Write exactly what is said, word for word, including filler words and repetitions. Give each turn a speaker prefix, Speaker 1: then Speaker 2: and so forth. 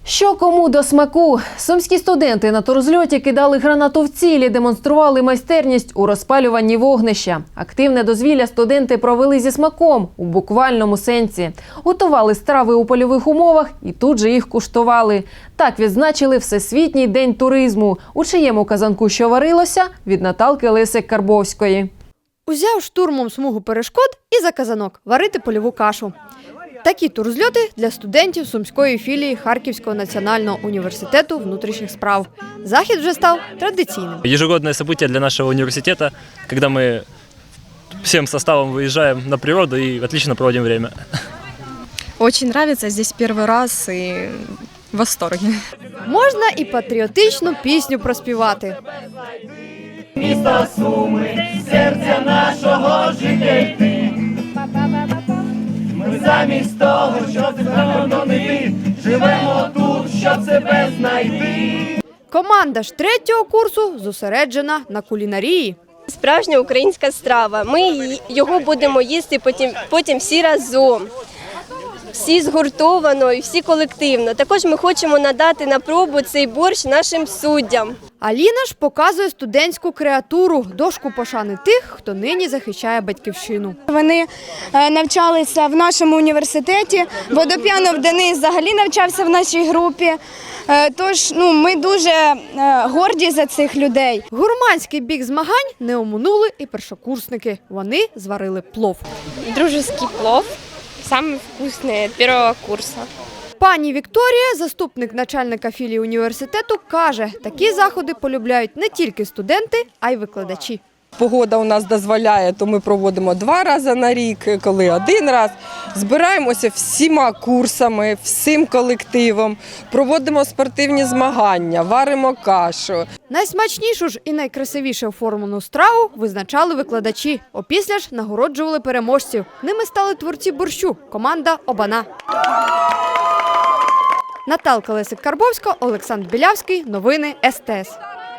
Speaker 1: Що кому до смаку? Сумські студенти на турзльоті кидали гранату в цілі, демонстрували майстерність у розпалюванні вогнища. Активне дозвілля студенти провели зі смаком, у буквальному сенсі. Готували страви у польових умовах і тут же їх куштували. Так відзначили Всесвітній день туризму. У чиєму казанку що варилося? Від Наталки Лисик-Карбовської.
Speaker 2: Узяв штурмом смугу перешкод і за казанок варити польову кашу. Такі турзльоти для студентів Сумської філії Харківського національного університету внутрішніх справ. Захід вже став традиційним.
Speaker 3: Ежегодное событие для нашего университета, когда мы всем составом выезжаем на природу и отлично проводим время.
Speaker 4: Очень нравится, здесь первый раз и в восторге.
Speaker 2: Можна і патріотичну пісню проспівати.
Speaker 5: Місто Суми, серця нашого життя йти. Ми замість того, щоб закордонити, живемо тут, щоб себе знайти.
Speaker 2: Команда ж третього курсу зосереджена на кулінарії.
Speaker 6: Справжня українська страва. Ми його будемо їсти потім, потім всі разом. Всі згуртовано і всі колективно. Також ми хочемо надати на пробу цей борщ нашим суддям.
Speaker 2: Аліна ж показує студентську креатуру, дошку пошани тих, хто нині захищає батьківщину.
Speaker 7: Вони навчалися в нашому університеті, Водоп'янов Денис взагалі навчався в нашій групі. Тож ну, ми дуже горді за цих людей.
Speaker 2: Гурманський бік змагань не оминули і першокурсники. Вони зварили плов.
Speaker 6: Дружеский плов, самый вкусный от первого курса.
Speaker 2: Пані Вікторія, заступник начальника філії університету, каже, такі заходи полюбляють не тільки студенти, а й викладачі.
Speaker 8: Погода у нас дозволяє, то ми проводимо два рази на рік, коли один раз. Збираємося всіма курсами, всім колективом, проводимо спортивні змагання, варимо кашу.
Speaker 2: Найсмачнішу ж і найкрасивіше оформлену страву визначали викладачі. Опісля ж нагороджували переможців. Ними стали творці борщу – команда «Обана». Наталка Лисик-Карбовська, Олександр Білявський. Новини ес те ес.